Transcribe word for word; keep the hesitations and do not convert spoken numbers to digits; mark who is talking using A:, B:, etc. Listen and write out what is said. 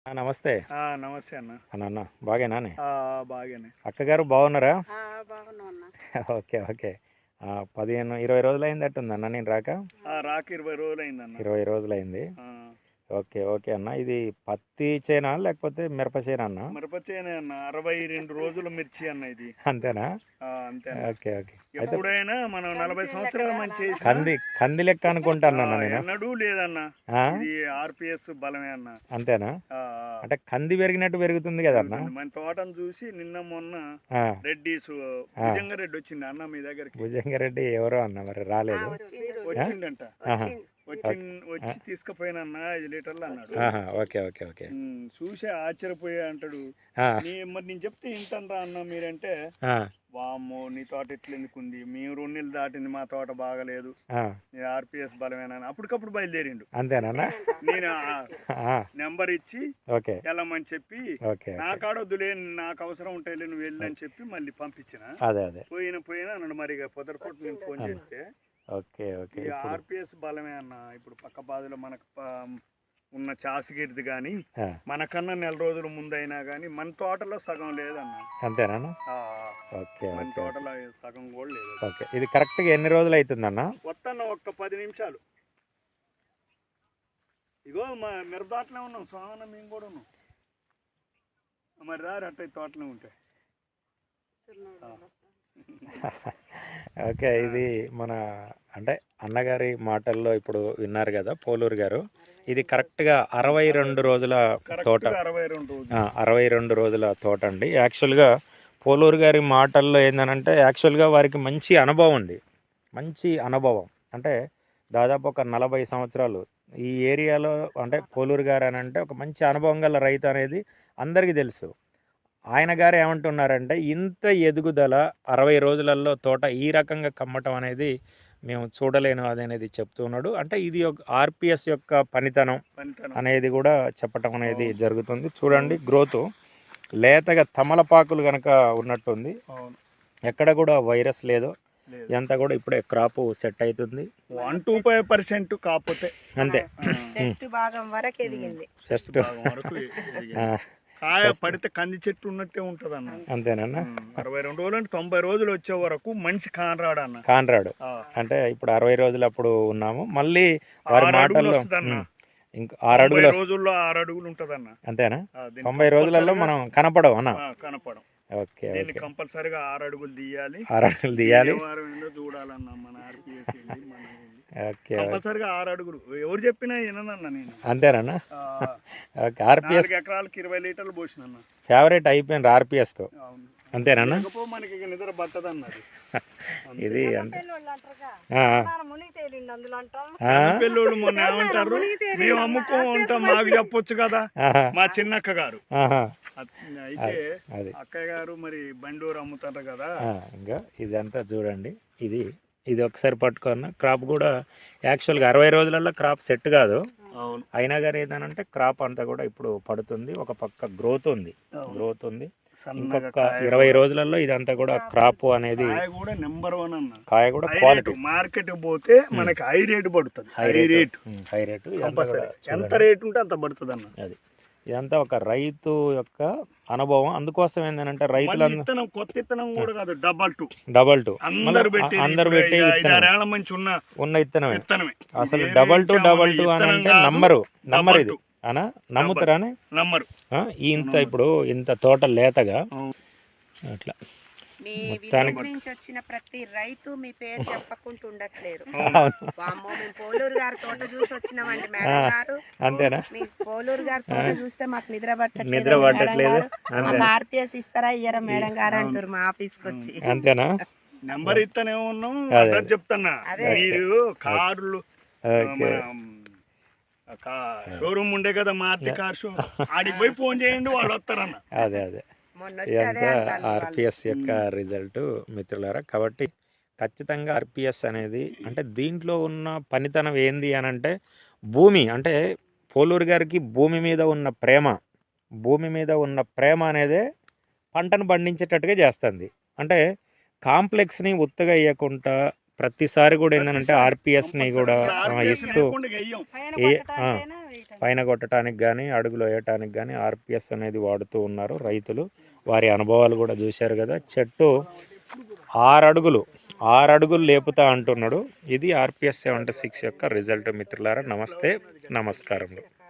A: ఆ! నమస్తే.
B: ఆ! నమస్తే అన్న.
A: అన్న అన్న బాగేనానే?
B: ఆ! బాగానే.
A: అక్కగారు బాగున్నారా?
C: ఆ! బాగున్నాం అన్న.
A: ఓకే. ఓకే. ఆహ్, పదిహేను, ఇరవై రోజులయిందట్టుందన్న నేను రాక?
B: ఆ! రాక ఇరవై రోజులయిందన్న.
A: ఇరవై రోజులయింది.
B: ఆ!
A: ఓకే. ఓకే అన్న. ఇది పత్తి చేనా? లేకపోతే మిరప చేనా అన్న?
B: మిరప చేనే అన్న. అరవై రెండు రోజుల మిర్చి అన్న ఇది.
A: అంతేనా?
B: ఆ! అంతే అన్న.
A: ఓకే. ఓకే. అయితే
B: ఎప్పుడైనా మనం నలభై సంవత్సరాల మంచి చేసినా
A: కంది కంది లెక్క
B: ఆ!
A: అనుకుంటానన్న నేను.
B: ఎన్నడూ లేదన్న.
A: ఆ?
B: ఇది ఆర్‌పీఎస్ బలమే అన్న.
A: అంతేనా?
B: ఆ! ఆ!
A: అంటే కంది పెరిగినట్టు పెరుగుతుంది కదన్న?
B: పెరుగుతుంది. మన తోటను చూసి నిన్న మొన్న
A: ఆ!
B: రెడ్డీసు భుజంగ రెడ్డి వచ్చిండు అన్న మీ దగ్గరికి.
A: భుజంగారెడ్డి ఎవరో అన్న మరి
C: ఆ!
A: రాలేదు.
C: వచ్చిండ్రు.
B: వచ్చిండంట.
A: ఆహా!
C: వచ్చిండు.
B: వచ్చి వచ్చి తీసుకుపోయినన్న ఐదు లీటర్లు అన్నాడు.
A: ఆహా! ఓకే. ఓకే. ఓకే.
B: ఉమ్, చూసి ఆశ్చర్యపోయా అంటాడు.
A: ఆ!
B: నీ మరి నేను చెప్తే ఇంటనరా అన్న మీరంటే,
A: ఆ!
B: వామ్మో నీ తోట ఎట్లా ఎందుకుంది, మేము రెండు నెలలు దాటింది మా తోట బాగలేదు,
A: ఆ!
B: నీ ఆర్పిఎస్ బలమేనా అని అప్పటికప్పుడు బయలుదేరిండు.
A: అంతేనా?
B: నేను
A: ఆ!
B: నెంబర్ ఇచ్చి
A: ఓకే.
B: వెళ్ళమని చెప్పి,
A: ఓకే.
B: నా కాడ వద్దులే నాకు అవసరం ఉంటాయిలే నువ్వు వెళ్ళి అని చెప్పి మళ్ళీ పంపించిన.
A: అదే. అదే.
B: పోయిన పోయినా అన్నాడు. మరి ఇక పొద్దుపూట నేను ఫోన్ చేస్తే
A: ఓకే. ఓకే.
B: ఈ
A: ఇప్పుడు
B: ఆర్పిఎస్ బలమే అన్న. ఇప్పుడు పక్క బాధలో మనకు ప- ఉన్న చాసిగిరిది కానీ
A: ఆ!
B: మనకన్నా నెల రోజుల ముందైనా కానీ మన తోటలో సగం లేదన్న.
A: అంతేనా?
B: ఆ,
A: ఓకే.
B: మన
A: ఓకే.
B: తోటలో సగం కూడా లేదు.
A: ఓకే. ఇది కరెక్ట్‌గా ఎన్ని రోజులు అవుతుందన్న?
B: వస్తాను ఒక్క పది నిమిషాలు. ఇగో మా మిరప తోటలో ఉన్నాం సోమన్న, మేము కూడా ఉన్నాం. మరి రారు అట్ట తోటలో ఉంటాయి.
A: ఓకే. ఇది మన అంటే అన్నగారి మాటల్లో ఇప్పుడు విన్నారు కదా పోలూరు గారు. ఇది కరెక్ట్‌గా అరవై రెండు రోజుల తోట.
B: కరెక్ట్గా అరవై రెండు రోజులు.
A: ఆ! అరవై రెండు రోజుల తోట అండి. యాక్చువల్‌గా పోలూరు గారి మాటల్లో ఏందనంటే యాక్చువల్‌గా వారికి మంచి అనుభవం ఉంది. మంచి అనుభవం. అంటే దాదాపు ఒక నలభై సంవత్సరాలు ఈ ఏరియాలో అంటే పోలూరు గారు అని అంటే ఒక మంచి అనుభవం గల రైతు అనేది అందరికీ తెలుసు. ఆయన గారు ఏమంటున్నారంటే ఇంత ఎదుగుదల అరవై రోజులలో తోట ఈ రకంగా కమ్మటం అనేది మేము చూడలేను అది అనేది చెప్తూ ఉన్నాడు. అంటే ఇది ఒక ఆర్పిఎస్ యొక్క పనితనం
B: పనితనం.
A: అనేది కూడా చెప్పటం అనేది జరుగుతుంది. చూడండి గ్రోత్ లేతగా తమలపాకులు కనుక ఉన్నట్టుంది.
B: అవును.
A: ఎక్కడ కూడా వైరస్ లేదు.
B: లేదు.
A: ఇదంతా కూడా ఇప్పుడే క్రాప్ సెట్ అవుతుంది.
B: వన్ టూ ఫైవ్ పర్సెంట్ కాకపోతే
A: అంతే.
C: చెస్ట్ భాగం వరకు ఎదిగింది.
A: జస్ట్
B: భాగం వరకు ఎదిగింది. కాయ పడితే కంది చెట్టు ఉన్నట్టే ఉంటది అన్న.
A: అంతేనన్నా?
B: అరవై రెండు రోజులు అంటే తొంభై రోజులు వచ్చే వరకు మంచి కానరాడు అన్న.
A: కాన్రాడు.
B: ఆ.
A: అంటే ఇప్పుడు అరవై రోజులు అప్పుడు ఉన్నాము. మళ్ళీ వారి
B: ఆరు అడుగులు
A: మాటల్లో
B: వస్తుందన్న.
A: ఉమ్, ఇంకా ఆరు అడుగులు
B: తొంభై
A: వస్తుంది.
B: రోజుల్లో ఆరు అడుగులు ఉంటదన్న.
A: అంతేనా?
B: ఆ, దీన్ని
A: తొంభై రోజులలో మనం కనపడవు అన్న.
B: ఆ, కనపడం.
A: ఓకే.
B: దీన్ని
A: ఓకే.
B: కంపల్సరిగా ఆరు అడుగులు తీయాలి.
A: ఆరు అడుగులు తీయాలి.
B: ఏ వారం ఏందో చూడాలన్న మన ఆర్పిఎస్ ఏంది, మన ఏంది.
A: ఓకే.
B: కంపల్సరిగా ఆరు అడుగులు ఎవరు చెప్పినా విననన్న నేను.
A: అంతేనా?
B: ఆ,
A: ఓకే. ఆర్పిఎస్
B: నాలుగు ఎకరాలకి ఇరవై లీటర్లు పోసినన్న.
A: ఫేవరెట్ అయిపోయింది ఆర్పిఎస్కు.
B: అవును.
A: అంతేనా?
B: లేకపోతే మనకి ఇక నిద్ర పట్టదన్నది.
A: ఇది అంటే
C: పెళ్ళోళ్ళు అంటారుగా,
A: ఆ,
C: నాన్న మునిగి తేలిండు అందులో అంటాం.
A: ఆ,
B: పెళ్ళోళ్ళు మొన్న ఏమంటారు, మేము అమ్ముకో ఉంటాం మాకు చెప్పొచ్చు కదా
A: ఆహా,
B: మా చిన్నక్క గారు.
A: ఆహా,
B: అత్- అయితే
A: అది
B: అక్కయ్య గారు మరి బండూరు అమ్ముతారు కదా.
A: ఆ, ఇంకా ఇదంతా చూడండి. ఇది ఇది ఒకసారి పట్టుకున్న క్రాప్ కూడా యాక్చువల్గా అరవై రోజులలో క్రాప్ సెట్ కాదు.
B: అవును.
A: అయినా కానీ ఏంటంటే క్రాప్ అంతా కూడా ఇప్పుడు పడుతుంది. ఒక పక్క గ్రోత్ ఉంది. గ్రోత్ ఉంది.
B: సన్నగా
A: ఇంకొక
B: కాయ
A: ఇరవై రోజులలో ఇదంతా కూడా క్రాప్ అనేది
B: కాయ కూడా నెంబర్ వన్ అన్న.
A: కాయ కూడా
B: హై
A: క్వాలిటీ
B: రేటు మార్కెట్ పోతే మనకి హై రేటు పడుతుంది.
A: High
B: high
A: rate
B: rate
A: high rate ఇదంతా
B: కంపల్సరీ.
A: కూడా
B: ఎంత
A: చూడండి.
B: రేటు ఉంటే అంత పడుతుంది అన్న.
A: అది ఇదంతా ఒక రైతు యొక్క అనుభవం. అందుకోసం ఏంటంటే
B: మళ్ళీ
A: రైతులందరూ
B: ఇత్తనం కొత్త ఇత్తనం కూడా కాదు, డబల్ టూ
A: డబల్ టూ
B: అందరు పెట్టి
A: అందరు పెట్టి విత్తనం
B: ఐదారేళ్ల మంచి ఉన్న
A: ఉన్న ఇత్తనమే.
B: విత్తనమే.
A: అసలు
B: ఇది
A: డబల్ టూ
B: ఏమి
A: డబల్ టూ అని
B: విత్తనం
A: అంటే
B: కాదు,
A: నమ్మరు నమ్మరు
B: డబల్
A: ఇది
B: టూ.
A: అనా నమ్ముతారా?
B: నమ్మరు.
A: ఇంత ఇప్పుడు ఇంత తోట లేతగా
B: అవును.
A: అట్లా
C: మీ
A: మొత్తానికి-
C: విలేజ్ నుంచి వచ్చిన ప్రతి రైతు మీ పేరు చెప్పకుండా ఉండట్లేరు.
A: అవును.
C: వామ్మో, మేము పోలూరు గారి తోట చూసి వచ్చినామండి మేడం గారు.
A: అంతేనా?
C: మీ పోలూరు గారి తోట చూస్తే మాకు నిద్ర పట్టట్లేదు
A: నిద్ర
C: మేడం
A: పట్టట్లేదు.
C: గారు.
A: అంతే.
C: మాకు ఆర్పిఎస్ ఇస్తారా ఇయ్యరా మేడం గారు అంటారు మా ఆఫీస్కి వచ్చి.
A: అంతేనా?
B: నెంబర్ ఇస్తూనే ఉన్నాం.
A: అదే.
B: అదే చెప్తున్నా,
C: అదే.
B: మీరు కార్లు
A: ఓకే.
B: షోరూమ్ ఉండే కదా మారుతి కార్ షో, ఆడికి పోయి ఫోన్ చేయండి వాళ్ళు వస్తారన్న.
A: అదే అదే
C: మొన్న వచ్చి అదే
A: ఇదంతా
C: అంటారు వాళ్ళు.
A: ఆర్పిఎస్ యొక్క రిజల్ట్ మిత్రులారా. కాబట్టి ఖచ్చితంగా ఆర్పిఎస్ అనేది అంటే దీంట్లో ఉన్న పనితనం ఏంది అని అంటే భూమి అంటే పోలూరు గారికి భూమి మీద ఉన్న ప్రేమ భూమి మీద ఉన్న ప్రేమ అనేదే పంటను పండించేటట్టుగా చేస్తుంది. అంటే కాంప్లెక్స్ని ఉత్తగా వేయకుండా ప్రతిసారి కూడా ఏంటంటే ఆర్పిఎస్ని కూడా ఆ, ఇస్తూ ఏ ఆ, పైన కొట్టడానికి కానీ అడుగులు వేయటానికి కానీ ఆర్పిఎస్ అనేది వాడుతూ ఉన్నారు రైతులు. వారి అనుభవాలు కూడా చూశారు కదా. చెట్టు ఆరు అడుగులు ఆరు అడుగులు లేపుతా అంటున్నాడు. ఇది ఆర్పిఎస్ సెవెంటీ సిక్స్ యొక్క రిజల్ట్ మిత్రులారా. నమస్తే, నమస్కారములు.